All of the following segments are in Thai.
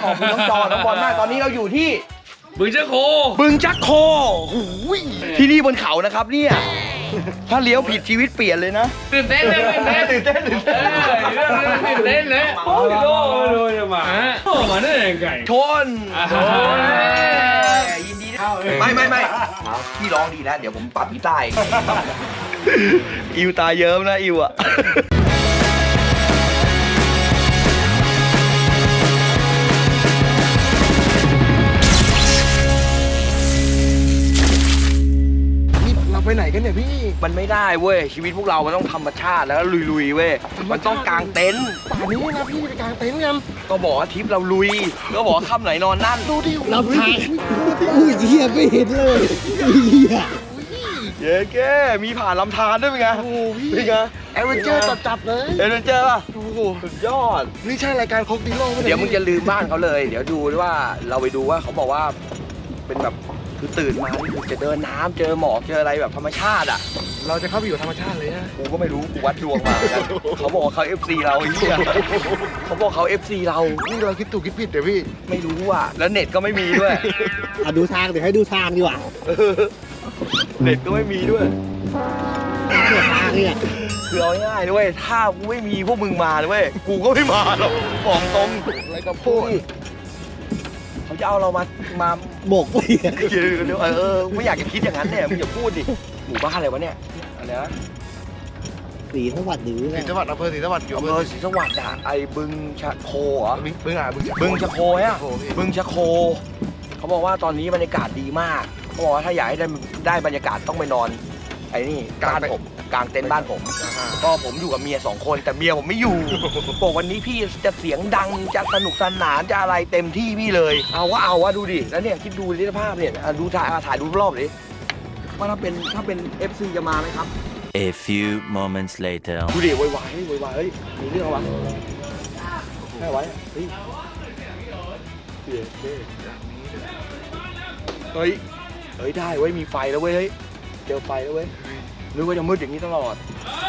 อบคุณน้องจอน้องบอลมากตอนนี้เราอยู่ที่บึงจักโคหูยที่นี่บนเขานะครับเนี่ยถ้าเลี้ยวผิดชีวิตเปลี่ยนเลยนะตื่นเต้นเลยตื่นเต้นเลยโอ้ยโดนมาโอ้มาได้ยังไงชนยินดีไม่พี่ร้องดีแล้วเดี๋ยวผมปรับพี่ใต้อิวตาเยิ้มนะอิวอะไปไหนกันเนี่ยพี่มันไม่ได้เว้ยชีวิตพวกเรามันต้องธรรมชาติแล้วลุยๆเว้ยมันต้องกางเต็นท์ป่านนี้นะพี่ไปกางเต็นท์กันก็บอกว่าทริปเราลุยก็บอกว่าค่ำไหนนอนนั่นดูดิเราถ่ายอุ้ยเหี้ยไม่เห็นเลยเหี้ยเย้แกมีผ่านลำธารด้วยเป็นไงโอ้พี่เป็นไงแอดเวนเจอร์จัดเลยแอดเวนเจอร์ป่ะโอ้โหสุดยอดนี่ใช่รายการคอกดิโลไหมเดี๋ยวมึงจะลืมบ้านเขาเลยเดี๋ยวดูว่าเราไปดูว่าเขาบอกว่าเป็นแบบคือตื่นมานี่คือจะเดินน้ำเจอหมอกเจออะไรแบบธรรมชาติอ่ะเราจะเข้าไปอยู่ธรรมชาติเลยนะกูก็ไม่รู้กูวัดดวงมาเขาบอกว่าเขา FC เราไอ้เหี้ยเขาบอกเขา FC เรานี่เราคิดถูกคิดผิดเดี๋ยวพี่ไม่รู้อ่ะแล้วเน็ตก็ไม่มีด้วยดูทางเดี๋ยวให้ดูทางดีกว่าเน็ตก็ไม่มีด้วยทางเนี่ยคือเอาง่ายด้วยถ้ากูไม่มีพวกมึงมาด้วยกูก็ไม่มาหรอกบอกตรงอะไรก็พูดเขาจะเอาเรามาบกไปไม่อยากจะคิดอย่างนั้นเนี่ยมึงอย่าพูดดิหมู่บ้านอะไรวะเนี่ยอะไรนะศรีสวัสดิ์ศรีสวัสดิ์อำเภอศรีสวัสดิ์อยู่อำเภอศรีสวัสดิ์อ่ะไอ้บึงชะโคเหรอบึงชะโคฮะบึงชะโคเขาบอกว่าตอนนี้บรรยากาศดีมากเขาบอกว่าถ้าอยากให้ได้บรรยากาศต้องไปนอนไอ้นี่บ้านผมกลางเต็นท์บ้านผมก็ผมอยู่กับเมีย2 คนแต่เมียผมไม่อยู่บอกวันนี้พี่จะเสียงดังจะสนุกสนานจะอะไรเต็มที่พี่เลยเอาวะดูดิแล้วเนี่ยคิดดูดิภาพเนี่ยดูถ่ายดูรอบดิว่าถ้าเป็น FC จะมาไหมครับ A few moments later ดูดิวายเฮ้ยมีเรื่องอะไรให้ไว้เฮ้ยได้เว้ยมีไฟแล้วเว้ยเฮ้ยเจอไฟแล้วเว้ยนึกว่าจะมืดอย่างนี้ตลอด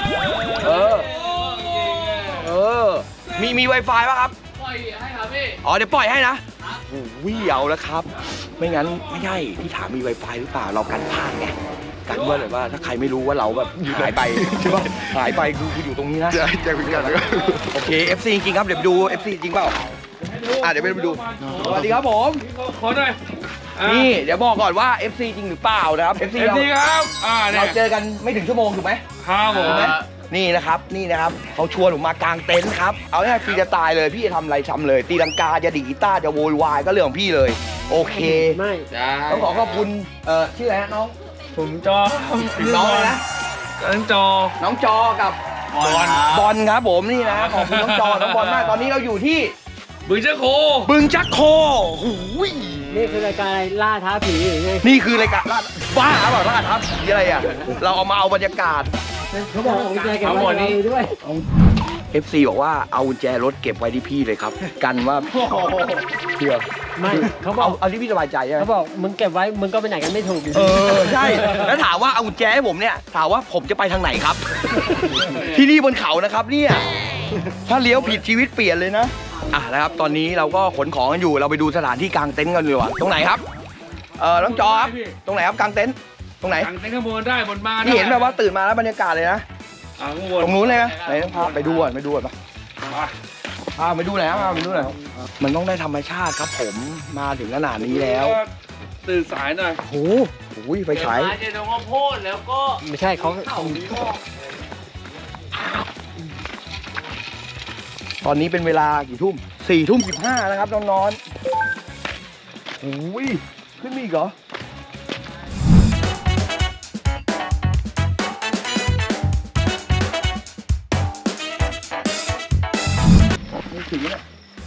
มี Wi-Fi ป่ะครับปล่อยให้ครับพี่เดี๋ยวปล่อยให้นะวิ่งเอาแล้วครับไม่งั้นไม่ใช่พี่ถามมี Wi-Fi หรือเปล่าเรากันพลาดไงกันว่าแบบว่าถ้าใครไม่รู้ว่าเราแบบหายไปใช่ป่ะหายไปคืออยู่ตรงนี้นะแจ้งพิกัดแล้วโอเค FC จริงครับเดี๋ยวไปดู FC จริงเปล่าเดี๋ยวไปดูสวัสดีครับผมขอหน่อยนี่เดี๋ยวบอกก่อนว่า FC จริงหรือเปล่านะครับ FC ครับเราเจอกันไม่ถึงชั่วโมงถูกไหมครับผมนี่นะครับเขาชวนผมมากางเต็นท์ครับเอาง่ายๆฟรีจะตายเลยพี่จะทำอะไรทำเลยตีลังกาจะดีดกีตาร์จะโวยวายก็เรื่องของพี่เลยโอเคไม่ต้องขอบคุณชื่ออะไรฮะน้องผมจอน้องอะไรนะน้องจอกับบอลครับผมนี่นะขอบคุณน้องจอน้องบอลมากตอนนี้เราอยู่ที่บึงจักโคหูยนี่คือรายการล่าท้าผีหรือไงนี่คือรายการบ้าเปล่าล่าท้าผีอะไรอ่ะเราเอามาเอาบรรยากาศเขาบอกกุญแจเก็บไว้ด้วย FC บอกว่าเอากุญแจรถเก็บไว้ที่พี่เลยครับกันว่าเชื่อไม่เขาบอกเอาที่พี่สบายใจใช่ไหมเขาบอกมึงเก็บไว้มึงก็ไปไหนกันไม่ถูกใช่แล้วถามว่าเอากุญแจให้ผมเนี่ยถามว่าผมจะไปทางไหนครับที่นี่บนเขานะครับเนี่ยถ้าเลี้ยวผิดชีวิตเปลี่ยนเลยนะนะครับตอนนี้เราก็ขนของกันอยู่เราไปดูสถานที่กางเต็นท์กันดีกว่าตรงไหนครับน้องจอครับตรงไหนครับกางเต็นท์ตรงไหนกางเต็นท์ข้างบนได้บนบ้านที่เห็นแบบว่าตื่นมาแล้วบรรยากาศเลยนะตรงนู้นเลยนะไหนพาไปดูก่อนปะพาไปดูหน่อยครับไปดูหน่อยมันต้องได้ธรรมชาติครับผมมาถึงขนาดนี้แล้วตื่นสายหน่อยโอ้โหไปฉายเจนงโพดแล้วก็ไม่ใช่เขาตอนนี้เป็นเวลากี่ทุ่ม4:15นะครับน้องๆโอ้ยขึ้นมีอีกเหรอไม่ถึงเนี่ย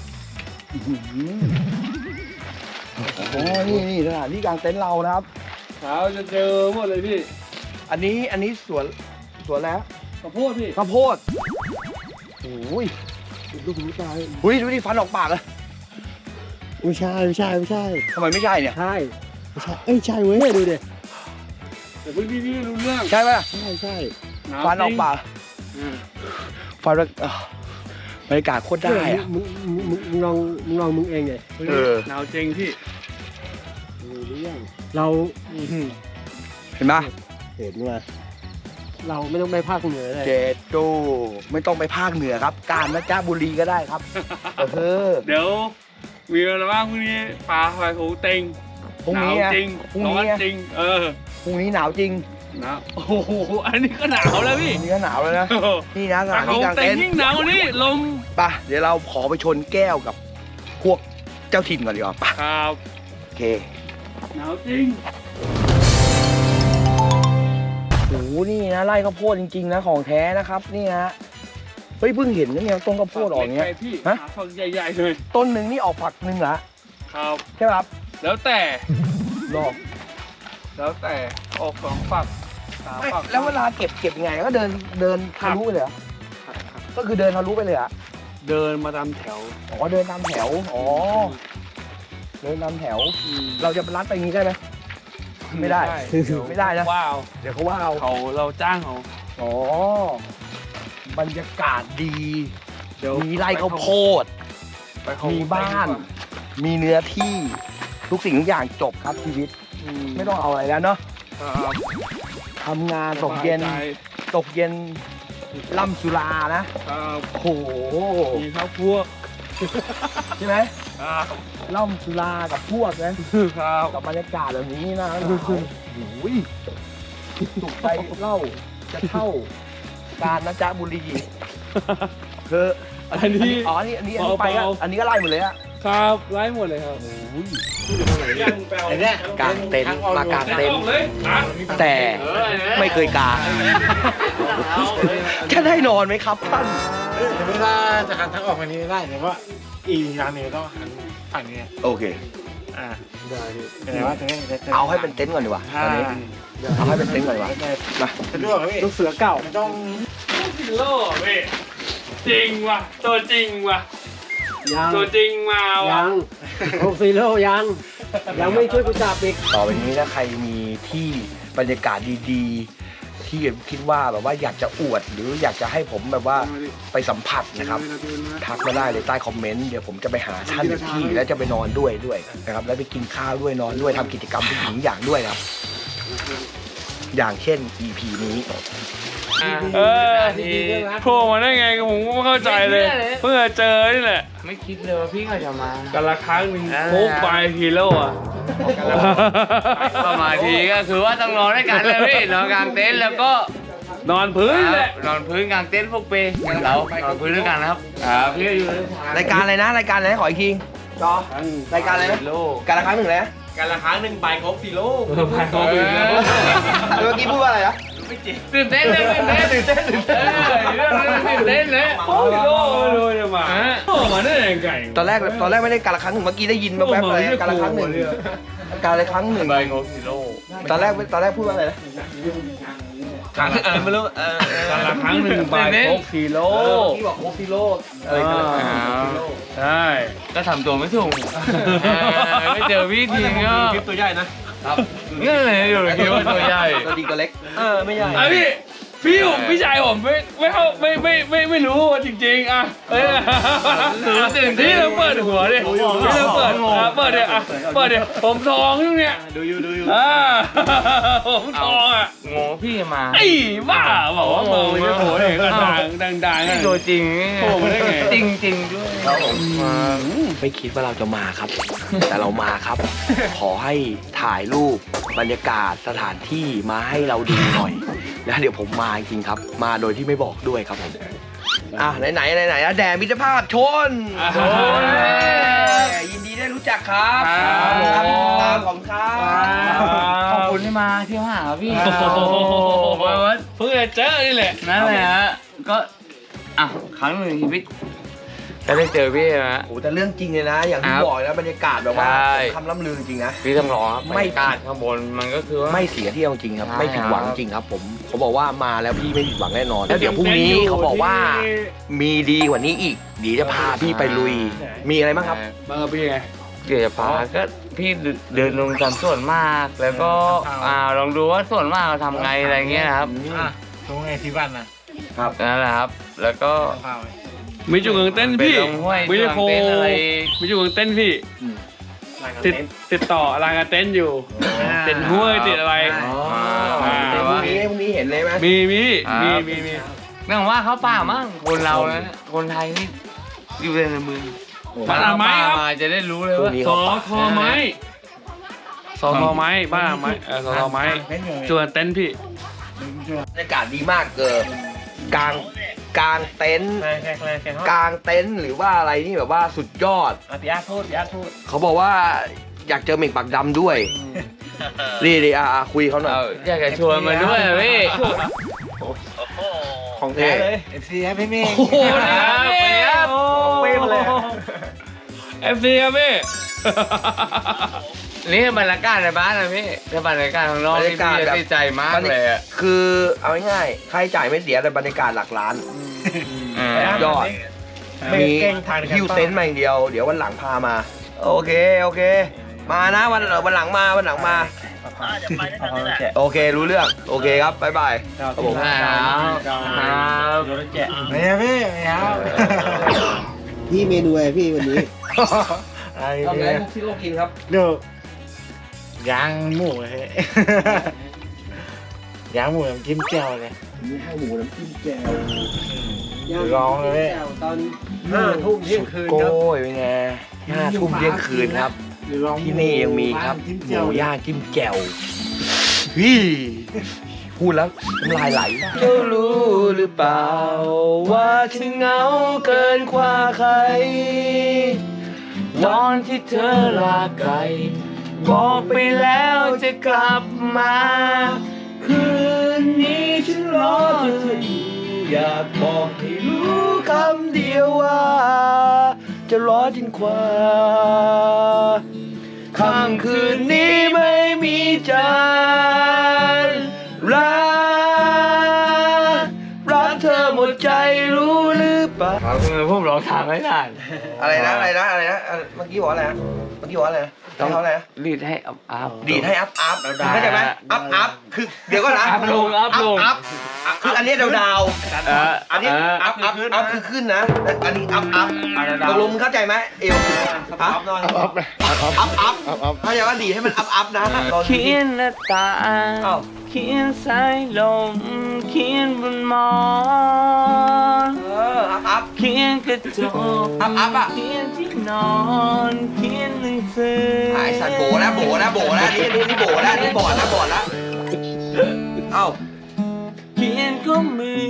นี่สถานที่กางเต็นท์เรานะครับเช้าจะเจอหมดเลยพี่อันนี้สวนแล้วข้าวโพดพี่ข้าวโพดโอ้ยดูดิฟันออกปากเลยไม่ใช่ทำไมไม่ใช่เนี่ยใช่ใช่เว้ยดูดิแต่พี่รู้เรื่องใช่ป่ะใช่ฟันออกปากฟันบรรยากาศโคตรได้อะมึงลองมึงเองไงหนาวจริงพี่เราเห็นปะเห็นว่าเราไม่ต้องไปภาคเหนือเลยเจโตไม่ต้องไปภาคเหนือครับ กาญจนบุรีก็ได้ครับเออเดี๋ยวมีอะไรบ้างพรุ่งนี้ปลาไฟหูเต็งพรุ่งหนาวนี้อะจริงพรุ่งร้อนี้นอะจริงพรุ่งนี้หนาวจริงหนาวโอ้โหอันนี้ก็หนาวแล้วพี่พรุ่งนี้ก็หนาวแล้วนะ นี่นะสปลาถานหูที่กลางเต็เต็งนท์ยิ่งหนาวนี่ลมไปเดี๋ยวเราขอไปชนแก้วกับพวกเจ้าถิ่นก่อนดีกว่าไปครับโอเคหนาวจริงโอ้โหนี่นะไร่ข้าวโพดจริงๆนะของแท้นะครับนี่นะเฮ้ยเพิ่งเห็นนะเนี่ยต้นข้าวโพดออกอย่างเงี้ยไปพี่ฮะหาฝักใหญ่ๆเลยต้นหนึ่งนี่ออกฝักหนึ่งเหรอครับใช่ไหมครับแล้วแต่หรอแล้วแต่ออกสองฝักสามไม่ฝักแล้วเวลาเก็บยังไงก็เดินทะลุไปเลยเหรอก็คือเดินทะลุไปเลยเหรอ่ะเดินมาตามแถวอ๋อเดินตามแถวอ๋อเดินตามแถว เราจะรัดไปอย่างนี้ได้ไหมไม่ได้ ไม่ได้นะว้าวเดี๋ยวเขาว่าเอาเราจ้างเขาอ๋อบรรยากาศดีเดี๋ยวมีไร่ข้าวโพดไปเขามีบ้าน มีเนื้อที่ ทุกสิ่งทุกอย่างจบครับชีวิต ไม่ต้องเอาอะไรแล้วเนาะครับทำงานตกเย็น ตกเย็นล่ำสุรานะครับโอ้โหมีข้าวพวกใช่ไหมครับล่ำสุรากับพวกนะครับ กับบรรยากาศแบบนี้นะโอ้โหถูกใจเล่าจะเท่ากาญจนบุรีคืออันนี้อ๋ออันนี้ไปก็อันนี้ก็ไล่หมดเลยอะครับไล่หมดเลยครับยังแปลไอ้เนี่ยกางเต็นท์มากางเต็นท์เลยอ่ะแต่ไม่เคยกางจะได้นอนไหมครับท่านสมมติว่าจะหันทางออกทางนี้ได้แต่ว่าอีกทางหนึงต้องหันฝั่งนี้โอเคได้แต่ว่าตรงนี้จะเอาให้เป็นเต็นท์ก่อนดีกว่าตอนนี้เอาให้เป็นเต็นท์ก่อนดีกว่ามาสะดวกครับพี่ลูกเสือเก่าไม่ต้องโล่พี่จริงว่ะตัวจริงว่ะยังตัวจริงมาว่ะยังโอซีโร่ยังไม่ช่วยกูจับอีกต่อไปนี้ถ้าใครมีที่บรรยากาศดีๆ ที่คิดว่าแบบว่าอยากจะอวด หรืออยากจะให้ผมแบบว่าไปสัมผัสนะครับ ทักมาได้เลยใต้คอมเมนต์เดี๋ยวผมจะไปหาท่านที่แล้วจะไปนอนด้วยนะครับแล้วไปกินข้าวด้วยนอนด้วยทำกิจกรรมทุกสิ่งอย่างด้วยนะครับ อย่างเช่น EP นี้โผล่มาได้ไงผมก็ไม่เข้าใจเลย เพิ่งจะเจอนี่แหละไม่คิดเลยว่าพี่เขาจะมากันละครั้งหนึ่งโค้กไปฮีโร่อะก็มาทีก็คือว่าต้องนอนด้วยกันเลยพี่นอนกลางเต็นท์แล้วก็นอนพื้นแหละนอนพื้นกลางเต็นท์พวกเปเรานอนพื้นด้วยกันนะครับพี่ก็อยู่ในรายการอะไรนะรายการอะไรนะขออีกทีจอรายการอะไรนะโลกการละครั้งหนึ่งเลยนะกันละครั้งหนึ่งไปครบ4 โลกไปโค้กอีกแล้วเมื่อกี้พูดว่าอะไรนะตื่นเต้นเลยตื่นเต้นตื่นเต้นตื่นเต้นเลยโอ้ฮีโร่เลยจะมาโอ้มาได้ยังไงตอนแรกไม่ได้การละครั้งหนึ่งเมื่อกี้ได้ยินแว๊บๆอะไรการละครั้งหนึ่งการละครั้งหนึ่งไปครบ4 โลกตอนแรกพูดว่าอะไรนะไม่รู้กันละครั้งหนึ่งไปโค้กฮีโร่พี่บอกโคฟิโลอะไรกันละครั้งหนึ่งโคฟิโลใช่ก็ทำตัวไม่ถูกไม่เจอพี่ทีก็คลิปตัวใหญ่นะนี่เลยอยู่ในคลิปว่าตัวใหญ่ตัวดีตัวเล็กไม่ใหญ่อ่ะพี่ชายผมไม่รู้จริงๆอ่ะพี่เราเปิดหัวดิพี่เราเปิดดิอ่ะเปิดดิผมทองอยู่เนี่ยดูอยู่ผมทองอ่ะงงพี่มาไอ้บ้าบอกว่ามึงไม่โผล่เองดังๆตัวจริงโผล่มาได้ไงจริงด้วยไม่คิดว่าเราจะมาครับ แต่เรามาครับ ขอให้ถ่ายรูปบรรยากาศสถานที่มาให้เราดูหน่อย แล้วเดี๋ยวผมมาจริงๆครับ มาโดยที่ไม่บอกด้วยครับผมไหนแดนมิตรภาพชนยินดีได้รู้จักครับตามของครับขอบคุณที่มาเที่ยวหาพี่เพิ่งจะเจอนี่แหละนั่นแหละฮะก็ครั้งหนึ่งในชีวิตก็ได้เจอพี่นะโอ้แต่เรื่องจริงเลยนะ อย่างที่บอกนะบรรยากาศแบบว่าใช่คำล่ำลือจริงนะพี่ต้องรอครับไม่บรรยากาศข้างบนมันก็คือว่าไม่เสียเที่ยวจริงครับใช่ไม่ผิดหวังจริงครับผมเขาบอกว่ามาแล้วพี่ไม่ผิดหวังแน่นอนแล้วเดี๋ยวพรุ่งนี้เขาบอกว่ามีดีกว่านี้อีกเดี๋ยวจะพาพี่ไปลุย มีอะไรบ้างครับมาพี่ไงเดี๋ยวจะพาก็พี่เดินลงตามส่วนมากแล้วก็ลองดูว่าส่วนมากเราทำไงอะไรเงี้ยนะครับตรงไงที่บ้านนะครับนั่นแหละครับ แล้วก็มีจุดกางเต้นพี่ไปลงห้วยมีจุดโคกางเต้นอะไรมีจุดกางเต้นพี่ติดต่อรางกางเต้นอยู่ติดห้วยติดอะไรแต่พรุ่งนี้เห็นเลยไหมมีเนื่องว่าเขาป่ามั่งคนเรานะคนไทยนี่อยู่ในเมืองบ้านอาไม้ครับมาจะได้รู้เลยว่าสอทอไม้สอทอไม้บ้านอาไม้สอทอไม้จุดกางเต้นพี่บรรยากาศดีมากกลางเต็นท์กลางเต็นท์หรือว่าอะไรนี่แบบว่าสุดยอดพี่อาร์พูดเขาบอกว่าอยากเจอเหม่งปากดำด้วยนี่คุยเขาหน่อยอยากจะชวนมาด้วยอะพี่ของแท้เลย FC ครับพี่เมฆโอ้โหนะครับพี่เป้มาเลย FC ครับพี่นี่คือบรรยากาศในบ้านนะพี่ถ้าบรรยากาศข้างนอกนี่พี่จะติดใจมากเลยอะคือเอาง่ายๆค่าใช้จ่ายไม่เสียแต่บรรยากาศหลักล้านยอดมีฮิวเต็นท์มาอย่างเดียวเดี๋ยววันหลังพามาโอเคมานะวันหลังมาโอเครู้เรื่องโอเคครับบ๊ายบายครับผมครับไม่ครับพี่ไม่ครับพี่เมนูอะไรพี่วันนี้ทำอะไรพวกที่เรากินครับเดี๋ยวย่างหมูเลย ย่างหมูน้ำจิ้มแจ่วเลยนี่ให้หมูน้ำจิ้มแจ่วร้องเลยตอน5 ทุ่มเที่ยงคืนครับโอ้ยเป็นไง5 ทุ่มเที่ยงคืนครับที่นี่ยังมีครับหมูย่างจิ้มแจ่วพูดแล้วน้ำลายไหลเจ้ารู้หรือเปล่าว่าฉันเหงาเกินกว่าใครตอนที่เธอลาไกลบอกไปแล้วจะกลับมาคืนนี้ฉันรอเธออยู่อยากบอกให้รู้คำเดียวว่าจะรอจนกว่าค่ำคืนนี้ไม่มีจันทร์รักเธอหมดใจรู้หรือเปล่าผมร้องทางไม่ได้อะไรนะเมื่อกี้บอกอะไรนะต้องเขาอะไรนะรีดให้อัพดีดให้อัพเข้าใจไหมอัพคือเดี๋ยวก่อนนะอัพลงคืออันนี้ดาวอันนี้อัพคือขึ้นนะอันนี้อัพตกลงมึงเข้าใจไหมเอวอัพเข้าใจว่าดีดให้มันอัพนะเขียนหน้าตาเขียนสายลมเขียนบนหมอนอัพเขียนกระจกอัพอ่ะเขียนที่นอนเขียนหนังสือไอ้สัตว์โบแล้วนี่โบแล้วนี่บอดแล้วเอ้าเขียนก็มือ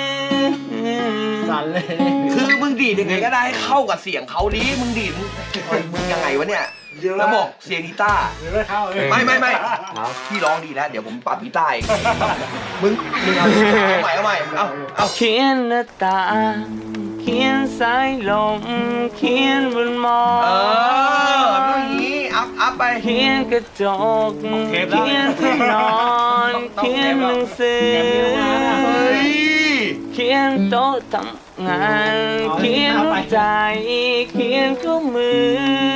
สั่นเลยคือมึงดีดยังไงก็ได้ให้เข้ากับเสียงเขาดิมึงดีดมึงยังไงวะเนี่ยแล้วบอกเสียงกีตาร์หรือว่าเข้าเลยไม่พี่ร้องดีแล้วเดี๋ยวผมปรับกีตาร์เองมึงเอาใหม่เอาเขียนหน้าตาเขียนสายลมเขียนบนหมอนต้องอย่างนี้อัพไปเขียนกระจกเขียนที่นอนเขียนหนังสือเฮ้ยเขียนโต๊ะทำงานเขียนหัวใจเขียนก็มือ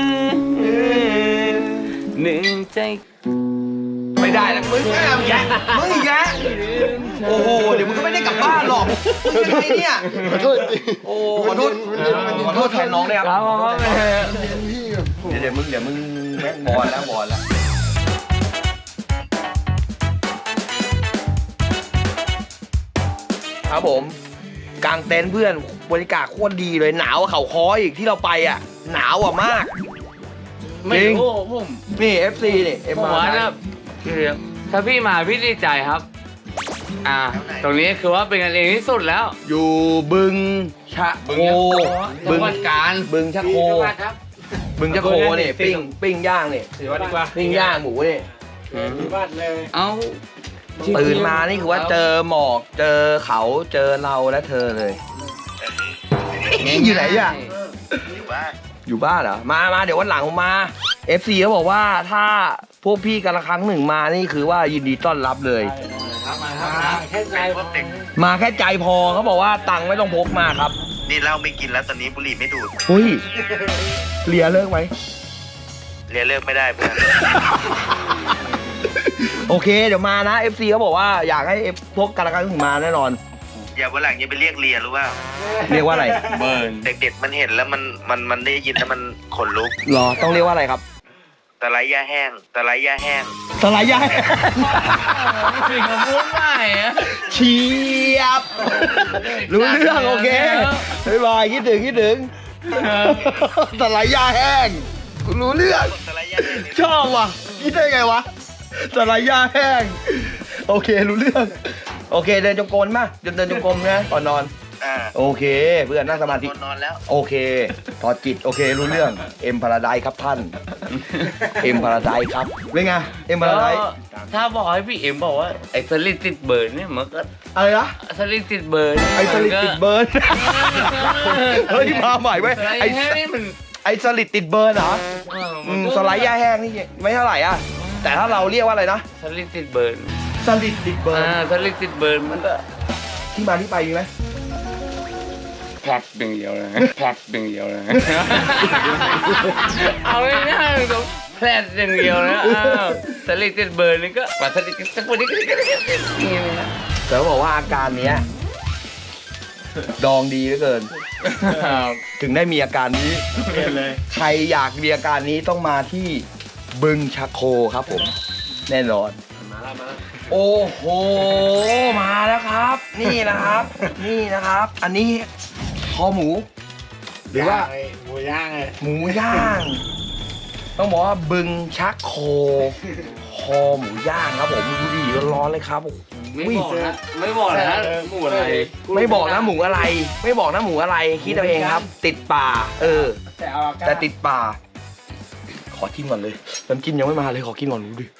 หนึ่งใจไม่ได้แล้วมึงไม่เอาแยะมึงอีกแยะโอ้โหเดี๋ยวมึงก็ไม่ได้กลับบ้านหรอกมึงยังไงเนี่ยขอโทษโอ้ขอโทษแทนน้องเลยครับเดี๋ยวมึงแม่งบอลแล้วครับผมกางเต็นท์เพื่อนบรรยากาศโคตรดีเลยหนาวเขาคออีกที่เราไปอ่ะหนาวอ่ะมากไม่รู้ผมนี่ FC นี่ผมว่าถ้าพี่มาพี่ดีใจครับตรงนี้คือว่าเป็นกันเองที่สุดแล้วอยู่บึงชะโคจังหวัดกาญบึงชะโคบึงชะโคนี่ปิ้งย่างนี่ถือว่าดีกว่าปิ้งย่างหมูนี่บ้านเลยเอาตื่นมานี่คือว่าเจอหมอกเจอเขาเจอเราและเธอเลยอยู่ไหนอ่ะอยู่บ้านเหรอมาเดี๋ยววันหลังผมมา FC เขาบอกว่าถ้าพวกพี่กันละครั้งหนึ่งมานี่คือว่ายินดีต้อนรับเลยแค่ใจพอมาแค่ใจพอเขาบอกว่าตังค์ไม่ต้องพกมาครับนี่เหล้าไม่กินแล้วตอนนี้บุหรี่ไม่ดูดเฮ้ยเลียเลิกไหมเรียนเลิกไม่ได้เพื่อนโอเคเดี๋ยวมานะ FC เขาบอกว่าอยากให้พวกกันละครั้งหนึ่งมาแน่นอนอย่าวันหลังอย่าไปเรียกเลียรู้ว่าเรียกว่าอะไรเบิร์นเด็กๆมันเห็นแล้วมันได้ยินแล้วมันขนลุกหรอต้องเรียกว่าอะไรครับตะไลย่าแห้งตะไลย่าแห้งสไลด์ย่าสิ่งคำพูดใหม่อะเชียบ รู้เรื่องโอเคบ๊ายบายคิดถึงสไลด์ย่าแห้งรู้เรื่องตะไลย่าแห้งชอบว่ะคิดได้ไงวะสไลด์ย่าแห้งโอเครู้เรื่อง โอเคเดินจงกรมมาเดินจงกรมนะก่อนนอน โอเคเพื่อนนั่งสมาธินอนแล้วโอเคถอดจิตโอเครู้เรื่องเอ็มพาราไดครับท่านเอ็มพาราไดครับเป็นไงเอ็มพาราไดถ้าบอกให้พี่เอ็มบอกว่าไอ้สลิดติดเบิร์นเนี่ยมันก็อะไรนะสลิดติดเบิร์นไอสลิดติดเบิร์นเฮ้ยมาใหม่เว้ยไอ้ไอแค่นี้มันไอสลิดติดเบิร์นเหรอสไลด์ย่าแห้งนี่ไม่เท่าไหร่อ่ะแต่ถ้าเราเรียกว่าอะไรนะสลิดติดเบิร์นสลิดติดเบิร์นสลิดติดเบิร์นมันก็ที่มาที่ไปมีไหมแพ็คดึงเดียวเลยแพ็คดึงเดียวเลยเอาง่ายๆตรงแพ็คดึงเดียวนะสลิดติดเบิร์นนี่ก็ปัดสลิดสักคนนี้ก็นี่นะแต่เขาบอกว่าอาการเนี้ยดองดีเหลือเกิน ถึงได้มีอาการนี้ใครอยากมีอาการนี้ต้องมาที่บึงชะโคครับผม แน่นอน โอ้โห มาแล้วครับ นี่นะครับ นี่นะครับ อันนี้คอหมู หรือว่าหมูย่างเลยหมูย่าง ต้องบอกว่าบึงชักโค คอหมูย่างครับผมดูดิร้อนๆเลยครับโอ้โหไม่บอกนะไม่บอกนะหมูอะไรไม่บอกนะหมูอะไร ไม่บอกนะหมูอะไรคิดเอาเองครับ ติดป่า แต่ติดป่า ขอกินก่อนเลยน้ำจิ้มยังไม่มาเลยขอกินก่อนดูดิ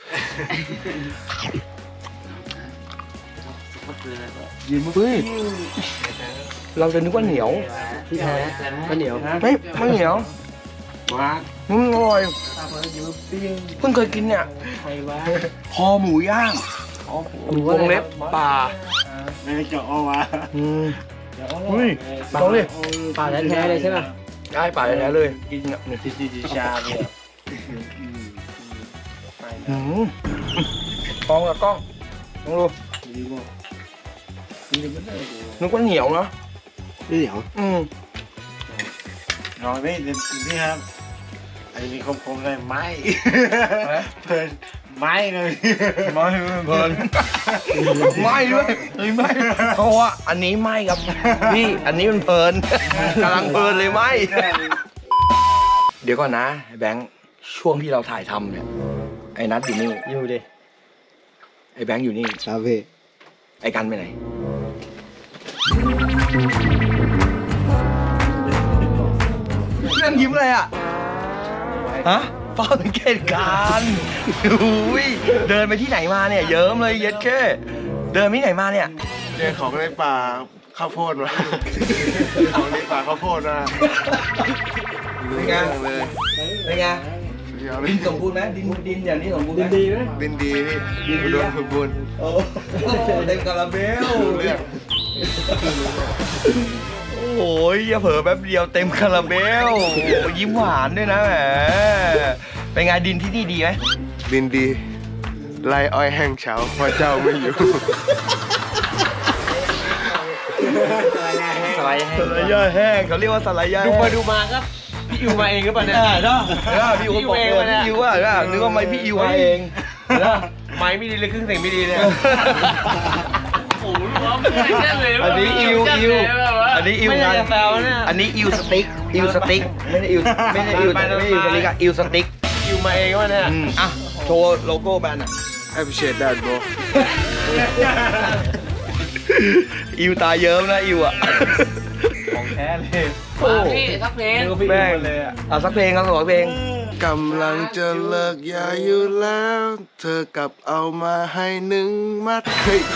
เฮ้ยเราจะนึกว่าเหนียวที่แท้ข้าวเหนียวไม่เหนียวอร่อยเพิ่งเคยกินเนี่ยคอหมูย่างวงเล็บป่าไม่ได้เจาะออกมาอุ้ยลองดิป่าแท้ๆเลยใช่ไหมได้ป่าแท้ๆเลยกินเนี่ยชาเนี่ยกล้องกับกล้องลองดูนึกว่าเหนียวเนาะนี่เหนียวลองนี่ครับไอ้นี่คมๆเลยไม้เพลินไม้เลยไม่เพลินไม่ด้วยไม่เพราะว่าอันนี้ไม่ครับพี่อันนี้มันเพลินกำลังเพลินเลยไม่เดี๋ยวก่อนนะแบงค์ช่วงที่เราถ่ายทำเนี่ยไอ้นัทอยู่นี่อยู่ดิไอ้แบงค์อยู่นี่ครับพี่ไอ้กันไปไหนเรื่องยิ้มเลยอ่ะฮะเฝ้าสังเกตการณ์อุ้ยเดินไปที่ไหนมาเนี่ยเยิ้มเลยเย็ดแค่เดินไปที่ไหนมาเนี่ยเจอของในป่าข้าวโพดมาของในป่าข้าวโพดมาเป็นไงเลยเป็นไงเดี๋ยวดินสมบูรณ์ไหมดินอย่างนี้สมบูรณ์ไหมดีไหมดินดีพี่อุดมสมบูรณ์โอ้เต็มคาราเบลเรื่องโอ้ยอย่าเผลอแป๊บเดียวเต็มคาราเบลยิ้มหวานด้วยนะแหมเป็นไงดินที่นี่ดีไหมดินดีไล่อ้อยแห้งเฉาเพราะเจ้าไม่อยู่สไลด์ย่าแห้งเขาเรียกว่าสไลด์ย่าแห้งดูมาครับพี่อยู่มาเองหรือเปล่าเนี่ยเนาะพี่อิวบอกเลยพี่อิวว่านึกว่าไม่พี่อิวมาเองนะไม้ไม่ดีเลยครึ่งเสียงไม่ดีเลยโอ้โหร้องไม่ได้เลยอันนี้อิวอันนี้อิวไม่ไงได้จะแซวเนี่ยอันนี้อิวสติ๊กไม่ได้อิวสติ๊กอะอิวสติ๊กอยู่มาเองวะเนี่ยอ่ะโชว์โลโก้แบรนด์อ่ะ appreciate that bro อิวตาเยิ้มนะอิวอ่ะของแท้เลยโอ้พี่ทักเพลงแม่งเอาสักเพลงครับสักเพลงกำลังจะเลิกยาอยู่แล้ว เธอกลับเอามาให้1 มัดเฮ้ย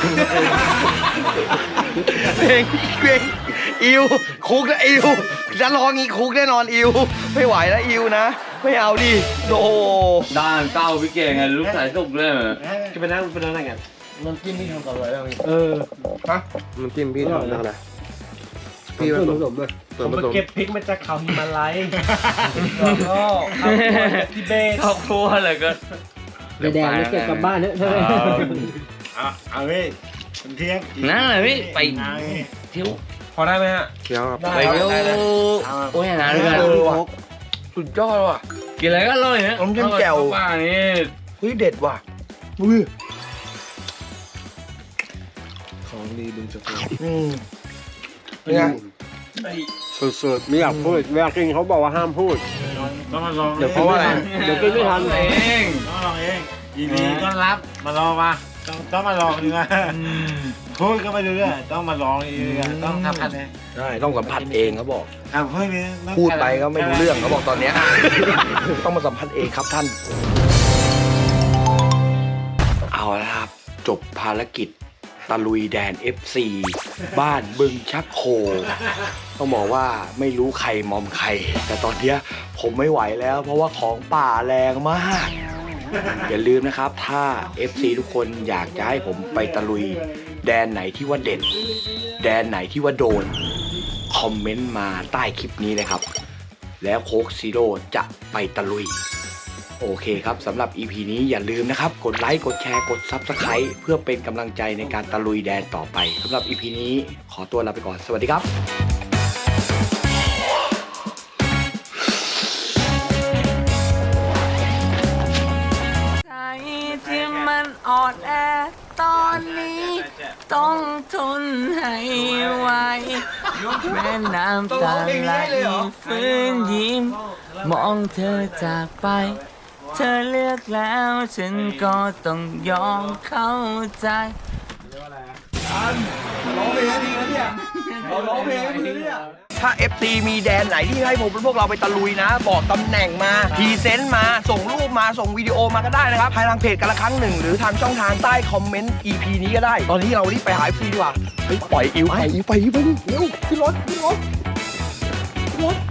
เพลงอิวคุกนะอิวจะร้องงี้คุกแน่นอนอิวไม่ไหวแล้วอิวนะ ไม่เอาดิโอ้ด้านเก้าพี่เก่งไงลูกสายสุกเลยจะไปนั่งอะไรกันน้ำจิ้มพี่ทำกับอะไรบ้างฮะน้ำจิ้มพี่ทำอะไรพี่ผสมด้วยส่วนผสมเก็บพริกมาจากเขาฮิมาลัยแล้วก็เอาจากทิเบตครอบครัวเลยก็แดงไม่เก็บกลับบ้านเนอะใช่ไหมเอาพี่นั่นแหละพี่ไปเที่ยวพอได้ไหมฮะเคี้ยวครับไปเที่ยวโอ้ยนะด้วยกันว่ะสุดยอดว่ะกินอะไรก็อร่อยนะน้ำจิ้มแจ่วป่านี่เฮ้ยเด็ดว่ะอุ้ยของดีดึงจะโตเป็นไงสุดๆไม่อยากพูดเวลากินเขาบอกว่าห้ามพูดต้องมาลองเดี๋ยวเพราะว่าอะไรเดี๋ยวกินไม่ทันเองต้องมาลองเองยินดีต้อนรับมาลองมาต้องมาลองดีกว่าพูดก็ไม่รู้เรื่องต้องมาลองดีกว่าต้องทำพันเลยใช่ต้องสัมผัสเองเขาบอกเพื่อนนี้พูดไปก็ไม่รู้เรื่องเขาบอกตอนเนี้ย ต้องมาสัมผัสเองครับท่าน เอาละครับ จบภารกิจตะลุยแดน FC บ้านบึงชักโค ต้องบอกว่าไม่รู้ใครมอมใคร แต่ตอนเนี้ยผมไม่ไหวแล้ว เพราะว่าของป่าแรงมาก อย่าลืมนะครับ ถ้า FC ทุกคนอยากจะให้ผมไปตะลุยแดนไหนที่ว่าเด่น แดนไหนที่ว่าโดน คอมเมนต์มาใต้คลิปนี้เลยครับ แล้วโค้กซีโร่จะไปตะลุย โอเคครับสำหรับ EP นี้อย่าลืมนะครับ กดไลค์ กดแชร์ กด Subscribe เพื่อเป็นกำลังใจในการตะลุยแดนต่อไปสำหรับ EP นี้ขอตัวลาไปก่อน สวัสดีครับใจที่มันอ่อนแอตอนนี้ ต้องทนให้ไหวแม่น้ำตาไหลฟื้นยิ้ม มองเธอจากไป เธอเลือกแล้วฉันก็ต้องยอมเข้าใจถ้า FC มีแดนไหนที่ให้พวกเราไปตะลุยนะ บอกตำแหน่งมาพรีเซนต์มาส่งรูปมาส่งวิดีโอมาก็ได้นะครับภายทางเพจกันละครั้งหนึ่งหรือทางช่องทางใต้คอมเมนต์ EP นี้ก็ได้ ตอนนี้เรารีบไปหา FC ดีกว่าเฮ้ยปล่อยอิวไปเร็วขึ้นรถ